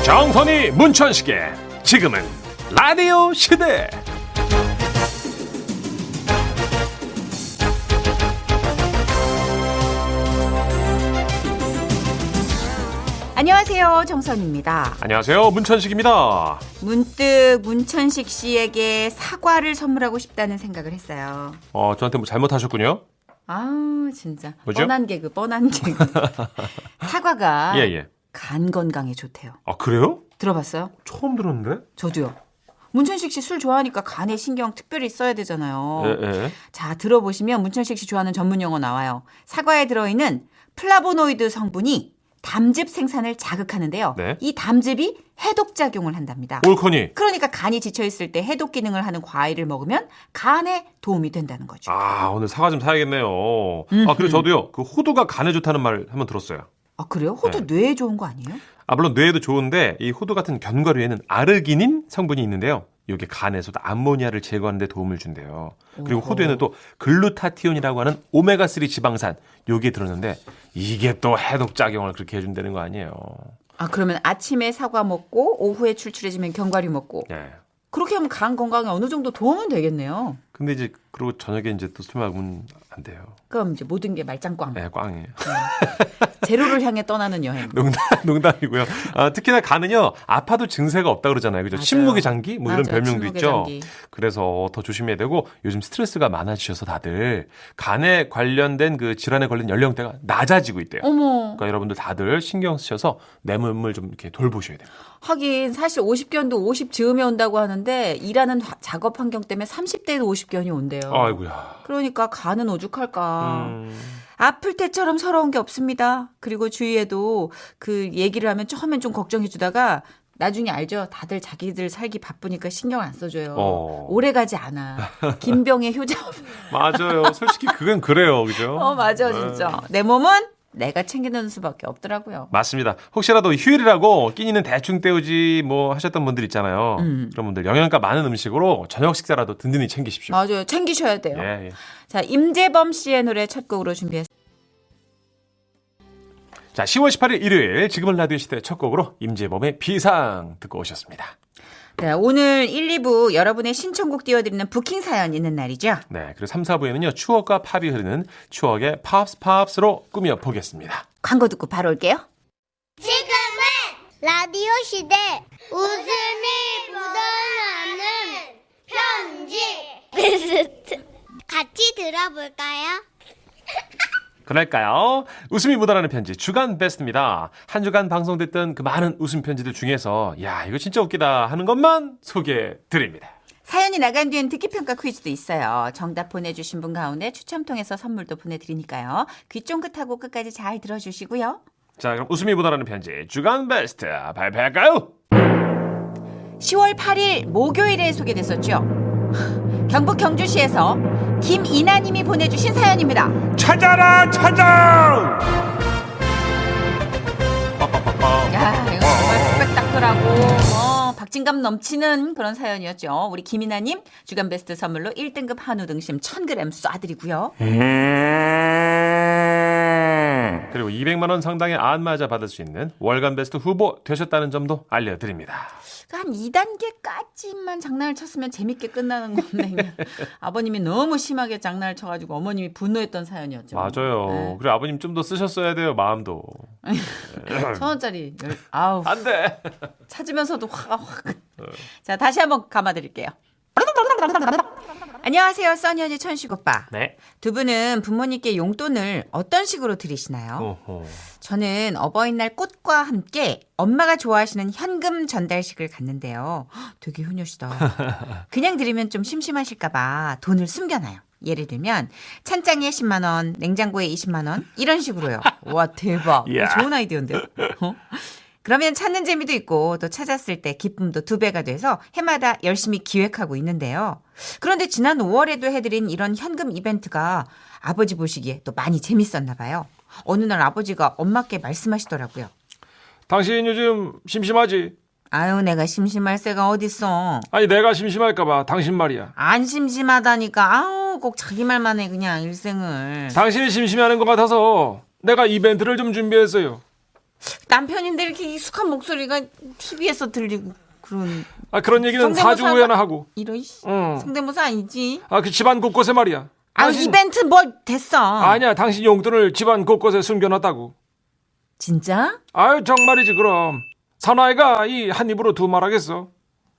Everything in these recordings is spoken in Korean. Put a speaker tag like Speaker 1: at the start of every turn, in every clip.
Speaker 1: 정선이 문천식의 지금은 라디오 시대.
Speaker 2: 안녕하세요, 정선입니다.
Speaker 1: 안녕하세요, 문천식입니다.
Speaker 2: 문득 문천식 씨에게 사과를 선물하고 싶다는 생각을 했어요.
Speaker 1: 저한테 뭐 잘못하셨군요.
Speaker 2: 아우 진짜
Speaker 1: 뭐죠?
Speaker 2: 뻔한 개그. 사과가
Speaker 1: 예.
Speaker 2: 간 건강에 좋대요.
Speaker 1: 아, 그래요?
Speaker 2: 들어봤어요?
Speaker 1: 처음 들었는데?
Speaker 2: 저도요. 문천식 씨 술 좋아하니까 간에 신경 특별히 써야 되잖아요.
Speaker 1: 예.
Speaker 2: 자, 들어보시면 문천식 씨 좋아하는 전문 용어 나와요. 사과에 들어있는 플라보노이드 성분이 담즙 생산을 자극하는데요.
Speaker 1: 네.
Speaker 2: 이 담즙이 해독작용을 한답니다.
Speaker 1: 올커니.
Speaker 2: 그러니까 간이 지쳐있을 때 해독 기능을 하는 과일을 먹으면 간에 도움이 된다는 거죠.
Speaker 1: 아, 오늘 사과 좀 사야겠네요. 그리고 저도요, 그 호두가 간에 좋다는 말 한번 들었어요.
Speaker 2: 아, 그래요? 호두 뇌에 좋은 거 아니에요?
Speaker 1: 물론 뇌에도 좋은데 이 호두 같은 견과류에는 아르기닌 성분이 있는데요. 이게 간에서도 암모니아를 제거하는 데 도움을 준대요. 그리고 호두에는 또 글루타티온이라고 하는 오메가3 지방산 요게 들었는데 이게 또 해독작용을 그렇게 해준다는 거 아니에요.
Speaker 2: 아, 그러면 아침에 사과 먹고 오후에 출출해지면 견과류 먹고
Speaker 1: 예.
Speaker 2: 그렇게 하면 간 건강에 어느 정도 도움은 되겠네요.
Speaker 1: 근데 이제 그리고 저녁에 이제 또 술 먹으면 안 돼요.
Speaker 2: 그럼 이제 모든 게 말짱꽝.
Speaker 1: 네, 꽝이에요.
Speaker 2: 제로를 향해 떠나는 여행.
Speaker 1: 농담이고요. 특히나 간은요, 아파도 증세가 없다 그러잖아요. 그죠?
Speaker 2: 맞아요.
Speaker 1: 침묵의 장기? 뭐 이런
Speaker 2: 맞아요.
Speaker 1: 별명도
Speaker 2: 침묵의
Speaker 1: 있죠.
Speaker 2: 장기.
Speaker 1: 그래서 더 조심해야 되고, 요즘 스트레스가 많아지셔서 다들 간에 관련된 그 질환에 걸린 연령대가 낮아지고 있대요.
Speaker 2: 어머.
Speaker 1: 그러니까 여러분들 다들 신경 쓰셔서 내 몸을 좀 이렇게 돌보셔야 돼요.
Speaker 2: 하긴 사실 50견도 50 즈음에 온다고 하는데 일하는 작업 환경 때문에 30대에도 50견이 온대요.
Speaker 1: 아이고야.
Speaker 2: 그러니까 간은 오죽할까. 아플 때처럼 서러운 게 없습니다. 그리고 주위에도 그 얘기를 하면 처음엔 좀 걱정해 주다가 나중에 알죠. 다들 자기들 살기 바쁘니까 신경 안 써줘요. 오래 가지 않아. 김병의 효자.
Speaker 1: 맞아요. 솔직히 그건 그래요. 그죠?
Speaker 2: 맞아 진짜. 내 몸은 내가 챙기는 수밖에 없더라고요.
Speaker 1: 맞습니다. 혹시라도 휴일이라고 끼니는 대충 때우지 뭐 하셨던 분들 있잖아요. 그런 분들 영양가 많은 음식으로 저녁 식사라도 든든히 챙기십시오.
Speaker 2: 맞아요. 챙기셔야 돼요.
Speaker 1: 예.
Speaker 2: 자, 임재범 씨의 노래 첫 곡으로 준비했습니다.
Speaker 1: 자, 10월 18일 일요일 지금은 라디오 시대 첫 곡으로 임재범의 비상 듣고 오셨습니다.
Speaker 2: 네, 오늘 1, 2부 여러분의 신청곡 띄워드리는 부킹 사연 있는 날이죠.
Speaker 1: 네, 그리고 3, 4부에는요 추억과 팝이 흐르는 추억의 팝스로 꾸며보겠습니다.
Speaker 2: 광고 듣고 바로 올게요.
Speaker 3: 지금은 라디오 시대 웃음이 묻어나는 편지 같이 들어볼까요?
Speaker 1: 그럴까요? 웃음이 묻어나는 편지 주간 베스트입니다. 한 주간 방송됐던 그 많은 웃음 편지들 중에서 야 이거 진짜 웃기다 하는 것만 소개해드립니다.
Speaker 2: 사연이 나간 뒤엔 듣기평가 퀴즈도 있어요. 정답 보내주신 분 가운데 추첨 통해서 선물도 보내드리니까요. 귀 쫑긋하고 끝까지 잘 들어주시고요.
Speaker 1: 자, 그럼 웃음이 묻어나는 편지 주간 베스트 발표할까요?
Speaker 2: 10월 8일 목요일에 소개됐었죠. 경북 경주시에서 김이나님이 보내주신 사연입니다.
Speaker 1: 찾아라 찾아!
Speaker 2: 야, 이거 정말 스펙타클하고 박진감 넘치는 그런 사연이었죠. 우리 김이나님 주간 베스트 선물로 1등급 한우 등심 1000g 쏴드리고요.
Speaker 1: 그리고 200만 원 상당의 안마자 받을 수 있는 월간 베스트 후보 되셨다는 점도 알려드립니다.
Speaker 2: 한 2단계까지만 장난을 쳤으면 재밌게 끝나는 건데 아버님이 너무 심하게 장난을 쳐가지고 어머님이 분노했던 사연이었죠.
Speaker 1: 맞아요.
Speaker 2: 네.
Speaker 1: 그리고 아버님 좀 더 쓰셨어야 돼요. 마음도.
Speaker 2: 1,000원짜리. 아우.
Speaker 1: 안 돼.
Speaker 2: 찾으면서도 화가 확. 자, 다시 한번 감아드릴게요. 안녕하세요. 써니언니 천식 오빠.
Speaker 1: 네.
Speaker 2: 두 분은 부모님께 용돈을 어떤 식으로 드리시나요?
Speaker 1: 어허.
Speaker 2: 저는 어버이날 꽃과 함께 엄마가 좋아하시는 현금 전달식을 갔는데요. 되게 효녀시다. 그냥 드리면 좀 심심하실까 봐 돈을 숨겨놔요. 예를 들면 찬장에 10만 원, 냉장고에 20만 원 이런 식으로요. 와 대박. 좋은 아이디어인데요. 그러면 찾는 재미도 있고 또 찾았을 때 기쁨도 2배가 돼서 해마다 열심히 기획하고 있는데요. 그런데 지난 5월에도 해드린 이런 현금 이벤트가 아버지 보시기에 또 많이 재밌었나 봐요. 어느 날 아버지가 엄마께 말씀하시더라고요.
Speaker 1: 당신 요즘 심심하지?
Speaker 2: 아유 내가 심심할 새가 어딨어.
Speaker 1: 아니 내가 심심할까봐 당신 말이야.
Speaker 2: 안 심심하다니까. 아우 꼭 자기 말만 해 그냥 일생을.
Speaker 1: 당신이 심심해하는 것 같아서 내가 이벤트를 좀 준비했어요.
Speaker 2: 남편인데 이렇게 익숙한 목소리가 TV에서 들리고 그런
Speaker 4: 그런 얘기는
Speaker 2: 성대모사가-
Speaker 4: 4주 후에나 하고.
Speaker 2: 이런
Speaker 4: 응.
Speaker 2: 성대모사 아니지?
Speaker 4: 그 집안 곳곳에 말이야.
Speaker 2: 이벤트 뭐 됐어.
Speaker 4: 아니야, 당신 용돈을 집안 곳곳에 숨겨놨다고.
Speaker 2: 진짜?
Speaker 4: 정말이지 그럼. 사나이가 이 한 입으로 두 말하겠어.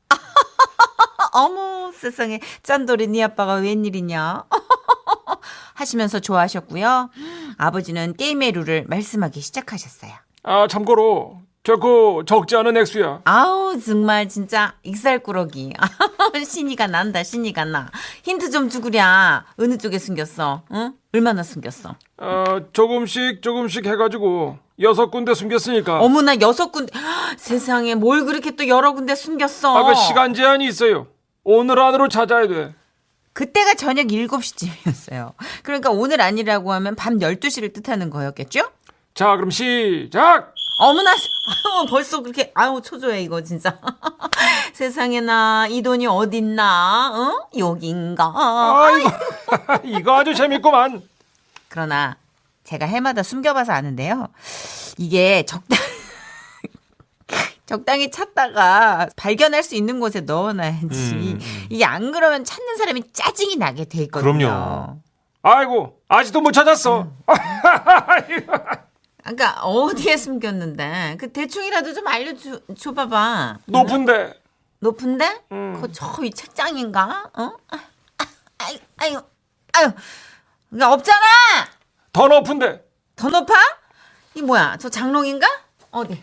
Speaker 2: 어머 세상에 짠돌이 네 아빠가 웬일이냐 하시면서 좋아하셨고요. 아버지는 게임의 룰을 말씀하기 시작하셨어요.
Speaker 4: 참고로 결코 적지 않은 액수야.
Speaker 2: 아우 정말 진짜 익살꾸러기. 신이가 난다 신이가 나. 힌트 좀 주구랴. 어느 쪽에 숨겼어? 응? 얼마나 숨겼어?
Speaker 4: 조금씩 해가지고 6군데 숨겼으니까.
Speaker 2: 어머나 6군데. 세상에 뭘 그렇게 또 여러 군데 숨겼어.
Speaker 4: 그 시간 제한이 있어요. 오늘 안으로 찾아야 돼.
Speaker 2: 그때가 저녁 7시쯤이었어요. 그러니까 오늘 아니라고 하면 밤 12시를 뜻하는 거였겠죠?
Speaker 4: 자, 그럼 시작!
Speaker 2: 어머나, 벌써 그렇게, 초조해, 이거, 진짜. 세상에나, 이 돈이 어딨나, 여긴가.
Speaker 4: 이거 아주 재밌구만.
Speaker 2: 그러나, 제가 해마다 숨겨봐서 아는데요. 이게 적당히 찾다가 발견할 수 있는 곳에 넣어놔야지. 이게 안 그러면 찾는 사람이 짜증이 나게 돼 있거든요.
Speaker 1: 그럼요.
Speaker 4: 아직도 못 찾았어.
Speaker 2: 그러니까 어디에 숨겼는데 그 대충이라도 좀 알려줘봐봐.
Speaker 4: 높은데.
Speaker 2: 높은데? 그 저 위 책장인가? 아유. 그러니까 없잖아.
Speaker 4: 더 높은데.
Speaker 2: 더 높아? 이 뭐야? 저 장롱인가? 어디?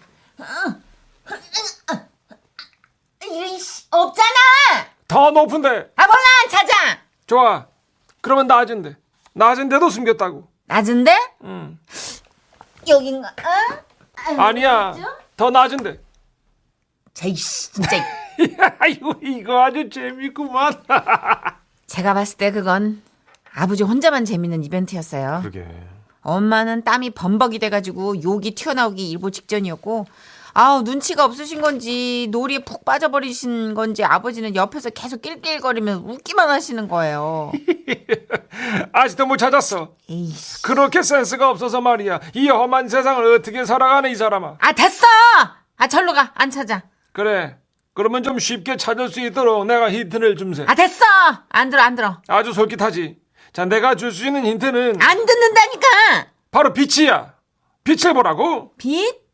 Speaker 2: 없잖아.
Speaker 4: 더 높은데.
Speaker 2: 몰라 안 찾아.
Speaker 4: 좋아. 그러면 낮은데. 낮은데도 숨겼다고.
Speaker 2: 낮은데?
Speaker 4: 응.
Speaker 2: 여긴가?
Speaker 4: 아니야. 더 낮은데.
Speaker 2: 제이씨 진짜.
Speaker 4: 이거 아주 재밌구만.
Speaker 2: 제가 봤을 때 그건 아버지 혼자만 재밌는 이벤트였어요.
Speaker 1: 그러게.
Speaker 2: 엄마는 땀이 범벅이 돼가지고 욕이 튀어나오기 일보 직전이었고 눈치가 없으신 건지 놀이에 푹 빠져버리신 건지 아버지는 옆에서 계속 낄낄거리며 웃기만 하시는 거예요.
Speaker 4: 아직도 못 찾았어.
Speaker 2: 에이씨.
Speaker 4: 그렇게 센스가 없어서 말이야. 이 험한 세상을 어떻게 살아가네 이 사람아.
Speaker 2: 됐어. 절로 가. 안 찾아.
Speaker 4: 그래. 그러면 좀 쉽게 찾을 수 있도록 내가 힌트를 줌세.
Speaker 2: 됐어. 안 들어.
Speaker 4: 아주 솔깃하지. 자, 내가 줄 수 있는 힌트는
Speaker 2: 안 듣는다니까.
Speaker 4: 바로 빛이야. 빛을 보라고.
Speaker 2: 빛?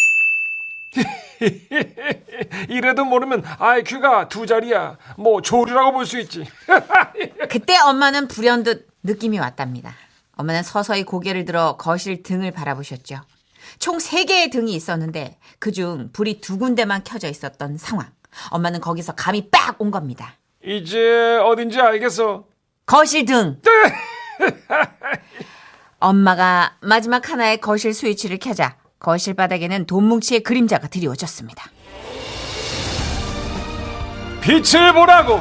Speaker 4: 이래도 모르면 IQ가 2자리야. 뭐 조류라고 볼 수 있지.
Speaker 2: 그때 엄마는 불현듯 느낌이 왔답니다. 엄마는 서서히 고개를 들어 거실 등을 바라보셨죠. 총 3개의 등이 있었는데 그중 불이 2군데만 켜져 있었던 상황. 엄마는 거기서 감이 빡 온 겁니다.
Speaker 4: 이제 어딘지 알겠어.
Speaker 2: 거실 등. 엄마가 마지막 하나의 거실 스위치를 켜자 거실 바닥에는 돈뭉치의 그림자가 드리워졌습니다.
Speaker 4: 빛을 보라고.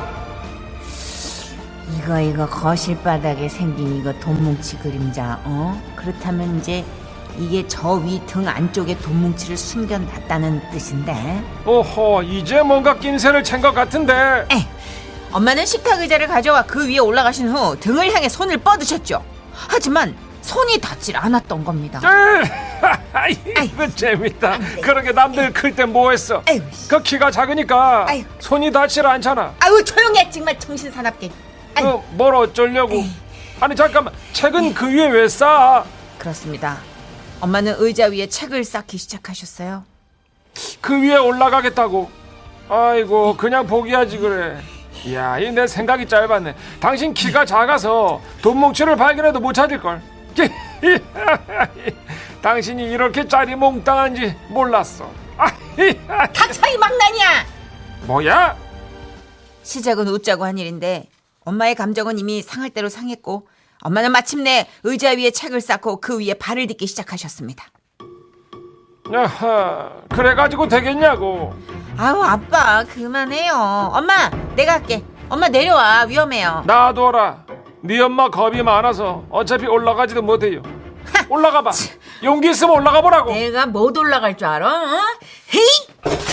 Speaker 2: 이거 거실 바닥에 생긴 이거 돈뭉치 그림자. 그렇다면 이제 이게 저 위 등 안쪽에 돈뭉치를 숨겨놨다는 뜻인데.
Speaker 4: 오호, 이제 뭔가 낌새를 챈 것 같은데.
Speaker 2: 엄마는 식탁 의자를 가져와 그 위에 올라가신 후 등을 향해 손을 뻗으셨죠. 하지만 손이 닿질 않았던 겁니다.
Speaker 4: 이거 재밌다. 그러게 남들 클 때 뭐 했어?
Speaker 2: 아이고,
Speaker 4: 그 키가 작으니까
Speaker 2: 아이고.
Speaker 4: 손이 닿질 않잖아.
Speaker 2: 조용해 정말 정신사납게.
Speaker 4: 뭘 어쩌려고. 아니 잠깐만, 책은 그 위에 왜 쌓아?
Speaker 2: 그렇습니다. 엄마는 의자 위에 책을 쌓기 시작하셨어요.
Speaker 4: 그 위에 올라가겠다고. 아이고, 그냥 포기하지 그래. 이야, 이 내 생각이 짧았네. 당신 키가 작아서 돈뭉치를 발견해도 못 찾을걸. 당신이 이렇게 짜리몽땅한지 몰랐어.
Speaker 2: 닥쳐이 망나니야.
Speaker 4: 뭐야?
Speaker 2: 시작은 웃자고 한 일인데 엄마의 감정은 이미 상할 대로 상했고 엄마는 마침내 의자 위에 책을 쌓고 그 위에 발을 딛기 시작하셨습니다.
Speaker 4: 야하, 그래가지고 되겠냐고.
Speaker 2: 아빠 그만해요. 엄마 내가 할게. 엄마 내려와 위험해요.
Speaker 4: 놔둬라. 네 엄마 겁이 많아서 어차피 올라가지도 못해요. 올라가봐. 용기 있으면 올라가 보라고.
Speaker 2: 내가 못 올라갈 줄 알아? 헤이!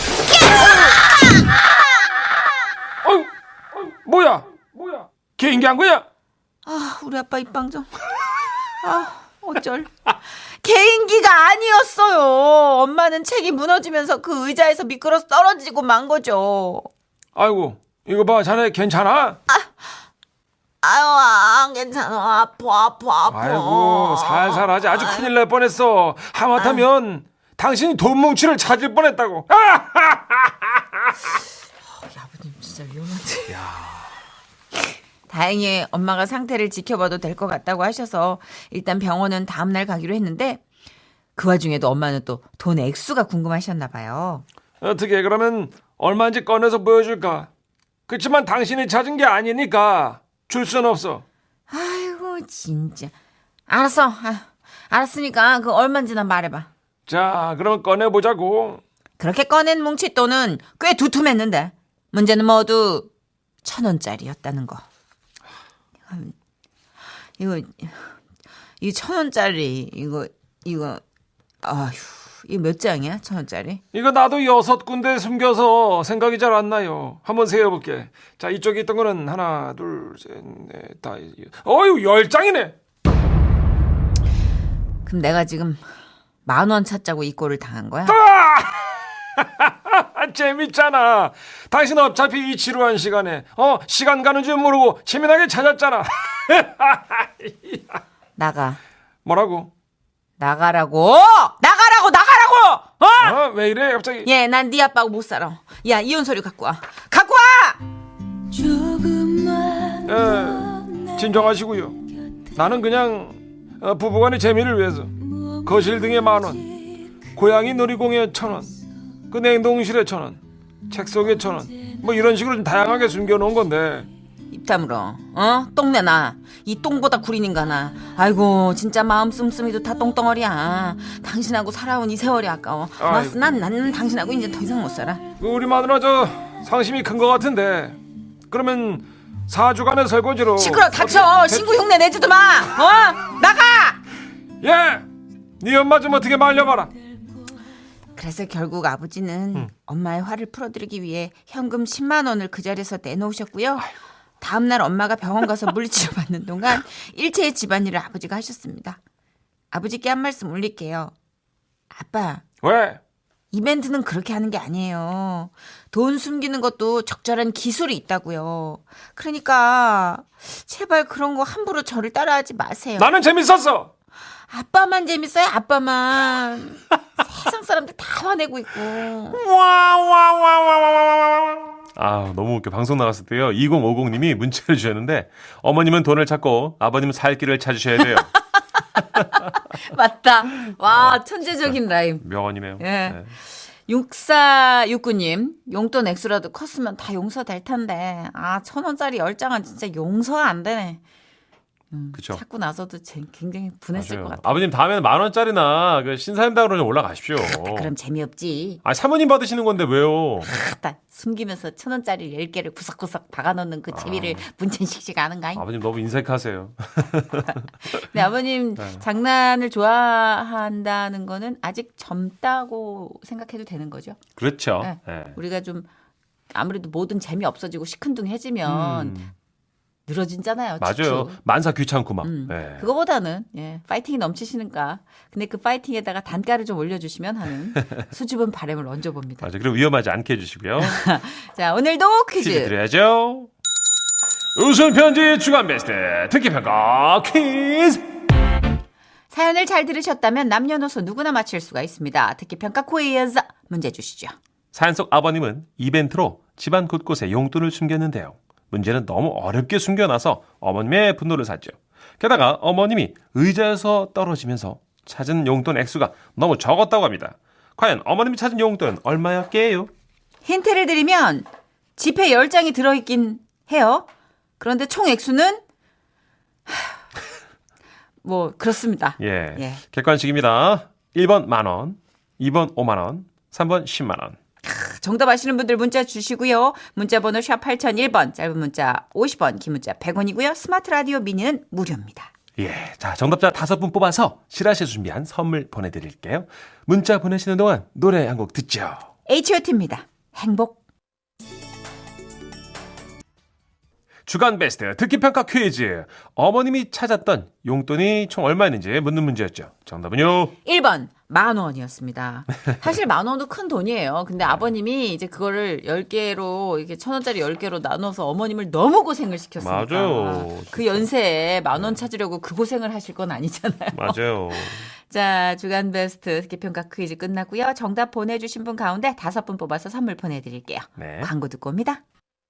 Speaker 4: 뭐야? 개인기 한 거야?
Speaker 2: 우리 아빠 입방 좀. 어쩔. 개인기가 아니었어요. 엄마는 책이 무너지면서 그 의자에서 미끄러서 떨어지고 만 거죠.
Speaker 4: 아이고 이거 봐 자네 괜찮아?
Speaker 2: 아유, 안 괜찮아. 아파.
Speaker 4: 아이고 살살하지 아주 큰일 날 뻔했어. 하마터면 당신이 돈 뭉치를 찾을 뻔했다고.
Speaker 2: 아버님 진짜 위험한데. 다행히 엄마가 상태를 지켜봐도 될 것 같다고 하셔서 일단 병원은 다음날 가기로 했는데 그 와중에도 엄마는 또 돈 액수가 궁금하셨나 봐요.
Speaker 4: 어떻게 그러면 얼마인지 꺼내서 보여줄까? 그렇지만 당신이 찾은 게 아니니까 줄 순 없어.
Speaker 2: 아이고 진짜. 알았어. 알았으니까 그 얼마인지나 말해봐.
Speaker 4: 자 그러면 꺼내보자고.
Speaker 2: 그렇게 꺼낸 뭉칫돈은 꽤 두툼했는데 문제는 모두 1,000원짜리였다는 거. 이거 1,000원짜리 이거 아휴 이거 몇 장이야 1,000원짜리?
Speaker 4: 이거 나도 6군데 숨겨서 생각이 잘 안 나요. 한번 세어볼게. 자 이쪽에 있던 거는 하나 둘 셋 넷 다 어휴 10장이네.
Speaker 2: 그럼 내가 지금 10,000원 찾자고 이 꼴을 당한 거야?
Speaker 4: 재밌잖아. 당신 어차피 이 지루한 시간에 시간 가는 줄 모르고 재미나게 찾았잖아.
Speaker 2: 나가.
Speaker 4: 뭐라고?
Speaker 2: 나가라고!
Speaker 4: 왜 이래 갑자기?
Speaker 2: 예, 난 네 아빠하고 못 살아. 야, 이혼 서류 갖고 와.
Speaker 4: 진정하시고요. 나는 그냥 부부간의 재미를 위해서 거실 등에 10,000원, 고양이 놀이공원에 1,000원, 그 냉동실에 1,000원, 책 속에 1,000원, 뭐 이런 식으로 좀 다양하게 숨겨놓은 건데.
Speaker 2: 입 다물어. 똥내나. 이 똥보다 구린 인간아. 아이고 진짜 마음 씀씀이도 다 똥덩어리야. 당신하고 살아온 이 세월이 아까워.
Speaker 4: 아이고.
Speaker 2: 난 당신하고 이제 더 이상 못 살아.
Speaker 4: 우리 마누라 저 상심이 큰 것 같은데 그러면 4주간의 설거지로
Speaker 2: 시끄러 닥쳐. 신고 흉내 내지도 마. 나가.
Speaker 4: 예! 네 엄마 좀 어떻게 말려봐라.
Speaker 2: 그래서 결국 아버지는 엄마의 화를 풀어드리기 위해 현금 10만 원을 그 자리에서 내놓으셨고요. 다음날 엄마가 병원 가서 물리치료 받는 동안 일체의 집안일을 아버지가 하셨습니다. 아버지께 한 말씀 올릴게요. 아빠,
Speaker 4: 왜?
Speaker 2: 이벤트는 그렇게 하는 게 아니에요. 돈 숨기는 것도 적절한 기술이 있다고요. 그러니까 제발 그런 거 함부로 저를 따라하지 마세요.
Speaker 4: 나는 재밌었어.
Speaker 2: 아빠만 재밌어요, 아빠만. 세상 사람들 다 화내고 있고.
Speaker 1: 아, 너무 웃겨. 방송 나갔을 때요. 2050님이 문자를 주셨는데 어머님은 돈을 찾고 아버님은 살 길을 찾으셔야 돼요.
Speaker 2: 맞다. 와, 천재적인 라임.
Speaker 1: 명언이네요.
Speaker 2: 예.
Speaker 1: 네.
Speaker 2: 6469님, 용돈 액수라도 컸으면 다 용서될 텐데. 1,000원짜리 10장은 진짜 용서가 안 되네.
Speaker 1: 그쵸.
Speaker 2: 찾고 나서도 굉장히 분했을
Speaker 1: 맞아요.
Speaker 2: 것 같아요.
Speaker 1: 아버님 다음에는 10,000원짜리나 그 신사임당으로 좀 올라가십시오.
Speaker 2: 그럼 재미없지.
Speaker 1: 사모님 받으시는 건데 왜요?
Speaker 2: 딱 숨기면서 1,000원짜리 10개를 구석구석 박아놓는 그 재미를 문천식 씨가 아는가?
Speaker 1: 아버님 너무 인색하세요.
Speaker 2: 네, 아버님 장난을 좋아한다는 거는 아직 젊다고 생각해도 되는 거죠.
Speaker 1: 그렇죠.
Speaker 2: 네.
Speaker 1: 네.
Speaker 2: 우리가 좀 아무래도 모든 재미 없어지고 시큰둥해지면 늘어진잖아요.
Speaker 1: 맞아요.
Speaker 2: 축축.
Speaker 1: 만사 귀찮고 막. 네.
Speaker 2: 그거보다는 파이팅이 넘치시니까 근데 그 파이팅에다가 단가를 좀 올려주시면 하는 수줍은 바람을 얹어봅니다.
Speaker 1: 맞아요. 그리고 위험하지 않게 해주시고요.
Speaker 2: 자, 오늘도
Speaker 1: 퀴즈
Speaker 2: 퀴즈.
Speaker 1: 드려야죠. 웃음 편지 주간 베스트 특기평가 퀴즈.
Speaker 2: 사연을 잘 들으셨다면 남녀노소 누구나 맞힐 수가 있습니다. 특기평가 퀴즈 문제 주시죠.
Speaker 1: 사연 속 아버님은 이벤트로 집안 곳곳에 용돈을 숨겼는데요. 문제는 너무 어렵게 숨겨놔서 어머님의 분노를 샀죠. 게다가 어머님이 의자에서 떨어지면서 찾은 용돈 액수가 너무 적었다고 합니다. 과연 어머님이 찾은 용돈은 얼마였게요?
Speaker 2: 힌트를 드리면 지폐 10장이 들어있긴 해요. 그런데 총 액수는 뭐 그렇습니다.
Speaker 1: 예. 객관식입니다. 1번 만원, 2번 5만원, 3번 10만원.
Speaker 2: 정답 아시는 분들 문자 주시고요. 문자 번호 샵 8001번, 짧은 문자 50원, 긴 문자 100원이고요. 스마트 라디오 미니는 무료입니다.
Speaker 1: 예. 자, 정답자 5분 뽑아서 실하실 준비한 선물 보내드릴게요. 문자 보내시는 동안 노래 한 곡 듣죠.
Speaker 2: H.O.T입니다. 행복.
Speaker 1: 주간 베스트 듣기평가 퀴즈. 어머님이 찾았던 용돈이 총 얼마였는지 묻는 문제였죠. 정답은요.
Speaker 2: 1번 10,000원이었습니다. 사실 10,000원도 큰 돈이에요. 근데 아버님이 이제 그거를 10개로 이렇게 1,000원짜리 10개로 나눠서 어머님을 너무 고생을 시켰으니까.
Speaker 1: 맞아요.
Speaker 2: 그 연세에 10,000원 찾으려고 그 고생을 하실 건 아니잖아요.
Speaker 1: 맞아요.
Speaker 2: 자, 주간 베스트 듣기평가 퀴즈 끝났고요. 정답 보내주신 분 가운데 5분 뽑아서 선물 보내드릴게요.
Speaker 1: 네.
Speaker 2: 광고 듣고 옵니다.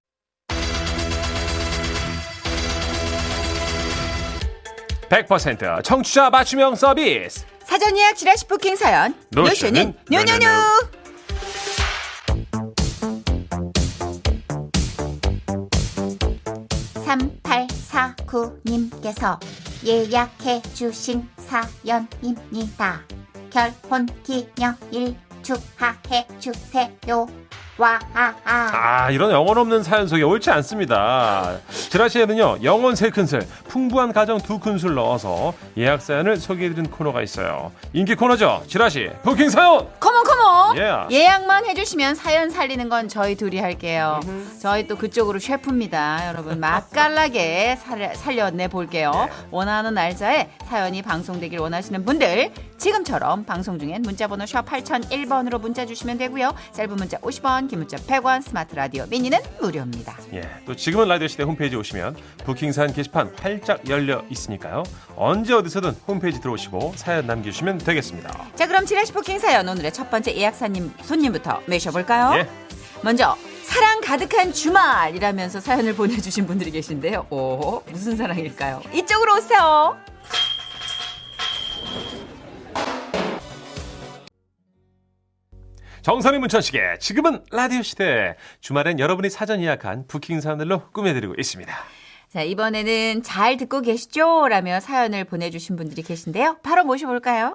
Speaker 1: 100% 청취자 맞춤형 서비스.
Speaker 2: 사전 예약 지라시 부킹 사연. 노쇼는 뇨뇨뇨.
Speaker 3: 3849님께서 예약해 주신 사연입니다. 결혼 기념일 축하해 주세요. 와.
Speaker 1: 이런 영혼 없는 사연 속에 옳지 않습니다. 지라시에는요, 영혼 3큰술, 풍부한 가정 2큰술 넣어서 예약 사연을 소개해드리는 코너가 있어요. 인기 코너죠. 지라시 부킹 사연.
Speaker 2: 컴온.
Speaker 1: Yeah.
Speaker 2: 예약만 해주시면 사연 살리는 건 저희 둘이 할게요. 저희 또 그쪽으로 셰프입니다. 여러분 맛깔나게 살려내 볼게요. 원하는 날짜에 사연이 방송되길 원하시는 분들 지금처럼 방송 중엔 문자번호 샵 8001번으로 문자 주시면 되고요. 짧은 문자 50원, 긴 문자 100원, 스마트 라디오 미니는 무료입니다.
Speaker 1: 예, 또 지금은 라디오 시대 홈페이지 오시면 부킹 사연 게시판 활짝 열려 있으니까요. 언제 어디서든 홈페이지 들어오시고 사연 남겨주시면 되겠습니다.
Speaker 2: 자, 그럼 지라시 부킹 사연 오늘의 첫 번째 예약사님 손님부터 모셔볼까요?
Speaker 1: 예.
Speaker 2: 먼저 사랑 가득한 주말이라면서 사연을 보내주신 분들이 계신데요. 오, 무슨 사랑일까요? 이쪽으로 오세요.
Speaker 1: 정선이 문천식의 지금은 라디오 시대. 주말엔 여러분이 사전 예약한 부킹 사연들로 꾸며드리고 있습니다.
Speaker 2: 자, 이번에는 잘 듣고 계시죠? 라며 사연을 보내주신 분들이 계신데요. 바로 모셔볼까요?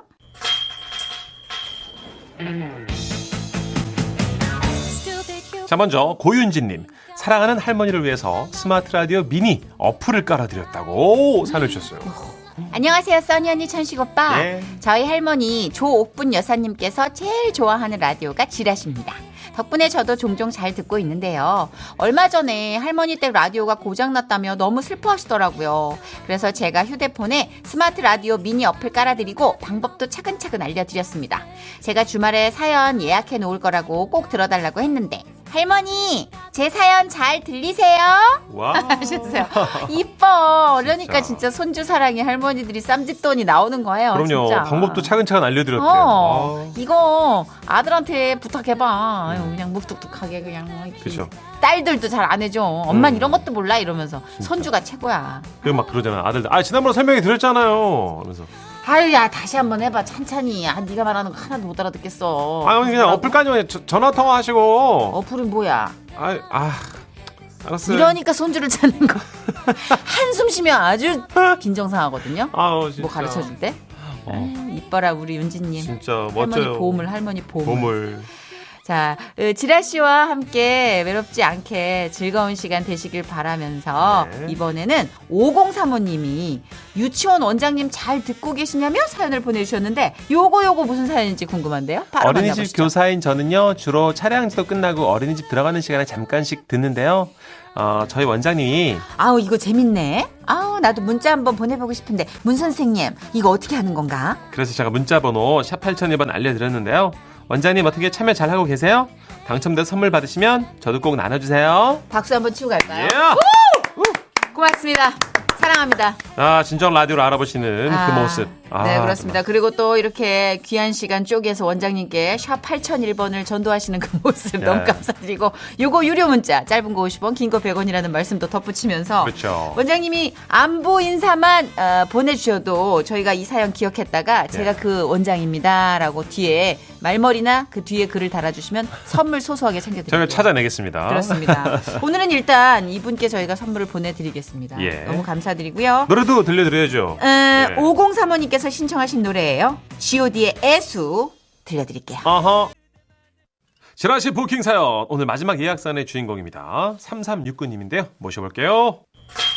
Speaker 1: 자, 먼저 고윤진님. 사랑하는 할머니를 위해서 스마트 라디오 미니 어플을 깔아드렸다고 사연을 주셨어요.
Speaker 2: 안녕하세요, 써니 언니, 천식 오빠.
Speaker 1: 네.
Speaker 2: 저희 할머니 조옥분 여사님께서 제일 좋아하는 라디오가 지라시입니다. 덕분에 저도 종종 잘 듣고 있는데요. 얼마 전에 할머니 댁 라디오가 고장났다며 너무 슬퍼하시더라고요. 그래서 제가 휴대폰에 스마트 라디오 미니 어플 깔아드리고 방법도 차근차근 알려드렸습니다. 제가 주말에 사연 예약해 놓을 거라고 꼭 들어달라고 했는데 할머니, 제 사연 잘 들리세요?
Speaker 1: 와.
Speaker 2: 하셨어요. 이뻐. 그러니까
Speaker 1: 진짜.
Speaker 2: 진짜 손주 사랑이 할머니들이 쌈짓돈이 나오는 거예요.
Speaker 1: 그럼요.
Speaker 2: 진짜.
Speaker 1: 방법도 차근차근 알려드렸대요.
Speaker 2: 이거 아들한테 부탁해봐. 그냥 묵뚝뚝하게 그냥.
Speaker 1: 그죠.
Speaker 2: 딸들도 잘 안 해줘. 엄만 이런 것도 몰라 이러면서 손주가 최고야.
Speaker 1: 그리고 막 그러잖아. 아들들. 지난번에 설명해 드렸잖아요. 그러면서.
Speaker 2: 아유, 야, 다시 한번 해봐. 찬찬히. 네가 말하는 거 하나도 못 알아듣겠어.
Speaker 1: 어머니 그냥 어플까지 전화 통화하시고.
Speaker 2: 어플이 뭐야?
Speaker 1: 알았어요.
Speaker 2: 이러니까 손주를 찾는 거. 한숨 쉬면 아주 빈정상하거든요.
Speaker 1: 진짜.
Speaker 2: 뭐 가르쳐 줄 때? 이뻐라 우리 윤지님.
Speaker 1: 진짜 멋져요.
Speaker 2: 할머니 보물.
Speaker 1: 보물.
Speaker 2: 자, 지라 씨와 함께 외롭지 않게 즐거운 시간 되시길 바라면서
Speaker 1: 네.
Speaker 2: 이번에는 5035님이 유치원 원장님 잘 듣고 계시냐며 사연을 보내주셨는데 요거 무슨 사연인지 궁금한데요. 바로
Speaker 1: 어린이집
Speaker 2: 만나보시죠.
Speaker 1: 교사인 저는요, 주로 차량 지도 끝나고 어린이집 들어가는 시간에 잠깐씩 듣는데요. 저희 원장님이
Speaker 2: 아우, 이거 재밌네. 아우, 나도 문자 한번 보내보고 싶은데 문 선생님 이거 어떻게 하는 건가?
Speaker 1: 그래서 제가 문자번호 샵 8001번 알려드렸는데요. 원장님 어떻게 참여 잘하고 계세요? 당첨돼서 선물 받으시면 저도 꼭 나눠주세요.
Speaker 2: 박수 한번 치고 갈까요?
Speaker 1: 예!
Speaker 2: 고맙습니다. 사랑합니다.
Speaker 1: 진정 라디오를 알아보시는 그 모습.
Speaker 2: 네, 그렇습니다. 그리고 또 이렇게 귀한 시간 쪼개서 원장님께 샵 8001번을 전도하시는 그 모습 너무 감사드리고 요거 유료 문자 짧은 거 50원 긴 거 100원이라는 말씀도 덧붙이면서
Speaker 1: 그렇죠.
Speaker 2: 원장님이 안부 인사만 보내주셔도 저희가 이 사연 기억했다가 제가 그 원장입니다 라고 뒤에 말머리나 그 뒤에 글을 달아주시면 선물 소소하게 챙겨드릴게요.
Speaker 1: 저희가 찾아내겠습니다.
Speaker 2: 그렇습니다. 오늘은 일단 이분께 저희가 선물을 보내드리겠습니다.
Speaker 1: 예.
Speaker 2: 너무 감사드리고요.
Speaker 1: 노래도 들려드려야죠.
Speaker 2: 5035님께서 신청하신 노래예요. G.O.D의 애수 들려드릴게요.
Speaker 1: 지라시 부킹 사연 오늘 마지막 예약사연의 주인공입니다. 3369님인데요. 모셔볼게요.